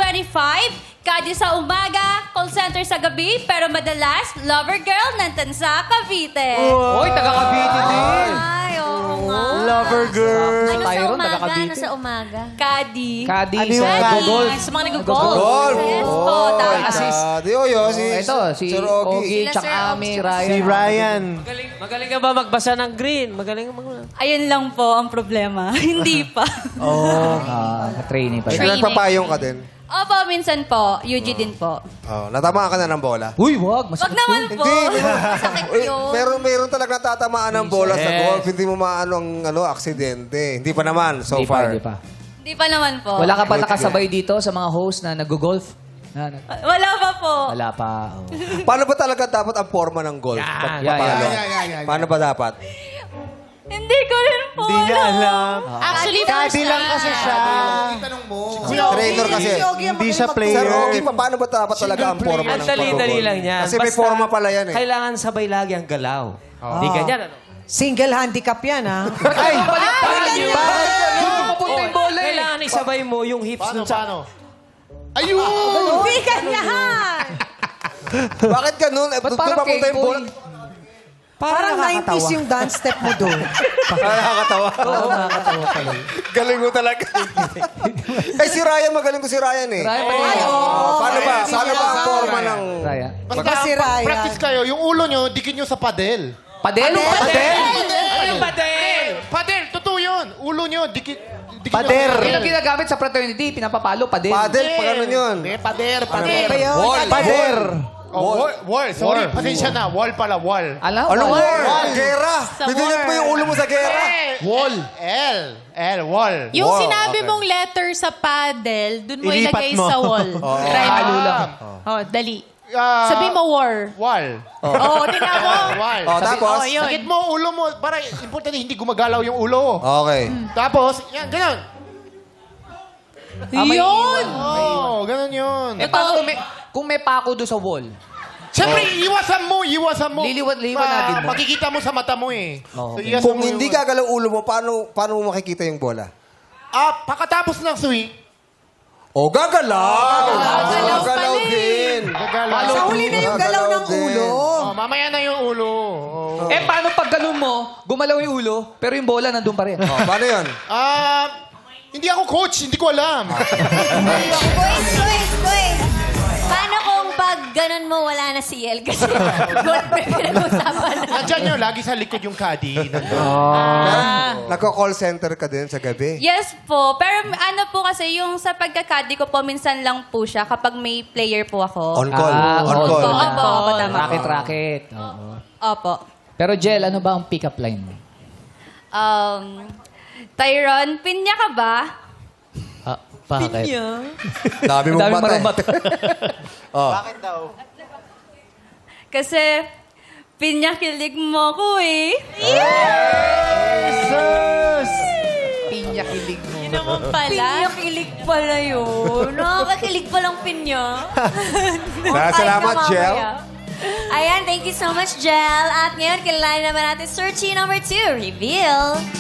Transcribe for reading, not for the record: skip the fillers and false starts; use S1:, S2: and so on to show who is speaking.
S1: 25, Kadi sa umaga, call center sa gabi, pero madalas, lover girl ng Tansa, Cavite.
S2: Oy, taga Cavite din.
S3: Ay, oo nga.
S4: Lover girl.
S3: Ano sa
S2: Tyron,
S3: umaga?
S2: taga Cavite.
S3: Ano sa umaga?
S1: Kadi.
S2: Kadi
S4: Ano yung
S2: sa
S4: Kadi?
S2: golf.
S1: Sa mga nag-golf.
S5: Golf.
S1: Yes po, tama.
S2: Assist.
S5: Si
S2: Ito, si
S5: Sir Ogie.
S2: Ogie,
S3: Sila
S2: tsaka
S3: Sir Ogie,
S2: Ami,
S3: tsaka
S2: Ryan.
S4: Si Ryan.
S6: Magaling ka ba magbasa ng green? Magaling ka
S1: Ayun lang po ang problema. Hindi pa.
S2: Oh, training pa.
S1: Training.
S5: Nagpapayong ka din.
S1: Opo, minsan po. UG din po.
S5: Oh, natamaan ka na ng bola.
S2: Uy, wag.
S1: Wag
S2: Masakit
S1: naman
S2: yun.
S1: po.
S3: Masakit yun.
S5: Meron talaga natatamaan ng bola sa
S6: Yes.
S5: golf. Hindi mo maano ang aksidente. Hindi pa naman so
S2: Hindi pa,
S5: far.
S2: hindi pa.
S1: Hindi pa naman po.
S2: Wala ka pa
S5: Wait,
S2: nakasabay dito sa mga host na nag-golf?
S1: Wala pa po.
S2: Wala pa. Oh.
S5: Paano ba talaga dapat ang forma ng golf?
S6: Yan.
S5: Paano?
S2: Yan.
S5: Paano ba dapat?
S1: Hindi ko rin po
S4: Hindi niya alam.
S1: Actually,
S4: Kadi lang kasi siya.
S5: Trainer kasi.
S4: Hindi siya
S5: Sir
S4: player.
S5: Ogie, paano ba dapat talaga ang forma ng
S6: Ang dali-dali
S5: pag-golf?
S6: lang yan.
S5: Kasi may
S6: Basta,
S5: forma pala yan eh.
S6: Kailangan sabay lagi ang galaw. Hindi ganyan, ano?
S7: Single handicap yan, ha?
S2: Ay, baliktad yun. Bakit ganun? Papunta yung bola eh.
S6: Kailangan isabay mo yung hips nun sa...
S7: Hindi ganyan!
S5: Bakit ganun?
S2: Ba't
S5: Doon
S2: parang
S5: papunta yung bola.
S2: K-boy?
S7: Parang 90s yung dance step mo doon.
S5: Nakakatawa.
S2: Oo, nakakatawa pala.
S5: Galing mo talaga. Si Ryan, magaling ko si Ryan eh.
S2: Ryan,
S5: Paano ba? Paano ba ang forma ng...
S2: Ryan.
S7: Basta si Ryan.
S8: Practice kayo. Yung ulo nyo, dikit nyo sa padel.
S2: Padel?
S6: Ano yung padel?
S8: Padel, totoo yun. Ulo nyo, dikit
S4: Pader.
S2: Yun ang ginagamit sa fraternity, pinapapalo, padel.
S5: Padel, pag ano yun?
S8: Pader.
S7: Ano ba yun?
S4: Pader.
S8: Oh, wall. Sorry, pasensya na. Wall pala, wall.
S2: Alam?
S5: Ano
S2: wala.
S5: war? Gera. Bidunit mo yung ulo mo sa gera.
S8: Wall. L, wall.
S9: Yung
S5: Wow,
S9: sinabi
S5: okay.
S9: mong letter sa paddle, dun mo
S4: Ilipat
S9: ilagay
S4: mo.
S9: sa wall. Try mo.
S2: Halo lang.
S9: Oh, dali.
S8: Ah,
S9: Sabi mo war.
S8: Wall.
S9: Oo, tingnan mo.
S8: Wall.
S5: Tapos?
S9: Oh, yun.
S8: Dikit mo ulo mo. Para importante, hindi gumagalaw yung ulo.
S5: Okay.
S8: Tapos, yan, ganun.
S9: Yun!
S8: Oh, ganun yun.
S2: Eh, paano kung may pako doon sa wall?
S8: Siyempre, iwasan mo.
S2: Liwanagin mo.
S8: Makikita mo sa mata mo eh.
S2: Oh,
S8: So,
S2: okay.
S8: iwasan
S5: Kung
S8: mo
S5: hindi
S8: yung-
S5: gagalaw ulo mo, paano mo makikita yung bola?
S8: Pagkatapos ng swing,
S5: O, gagalaw! Gagalaw din.
S8: gagalaw.
S7: Sa huli na yung galaw ng ulo.
S8: Oh, mamaya na yung ulo. Oh.
S2: Eh, paano pag ganun mo, gumalaw yung ulo, pero yung bola nandun pa rin?
S5: O, paano yun?
S8: Hindi ako coach, hindi ko alam.
S3: Quiz. Paano kung pag ganun mo, wala na si El? Kasi golf na pinag-usapan na.
S8: Nandiyan yun, lagi sa likod yung caddy.
S5: Nagko-call center ka din sa gabi?
S1: Yes po. Pero ano po kasi, yung sa pagkakadi ko po, minsan lang po siya kapag may player po ako.
S5: On call. On
S2: on
S5: call.
S2: call.
S1: Opo, tama po.
S2: Racket. Oo.
S1: Opo.
S2: Pero Jel, ano ba ang pick-up line mo?
S1: Tyron, pinya ka ba?
S2: Bakit?
S5: Dami mong
S2: Dami
S5: bata.
S2: marumbat.
S5: Oh.
S1: Kasi, pinya kilig mo ko eh.
S2: Pinya-kilig mo.
S9: Yun naman pala.
S3: Pinya kilig pala yun. Nakakakilig palang pinya.
S5: Salamat, Jel.
S3: Ayan, thank you so much, Jel. At ngayon, kilala naman natin Searchy number 2, reveal.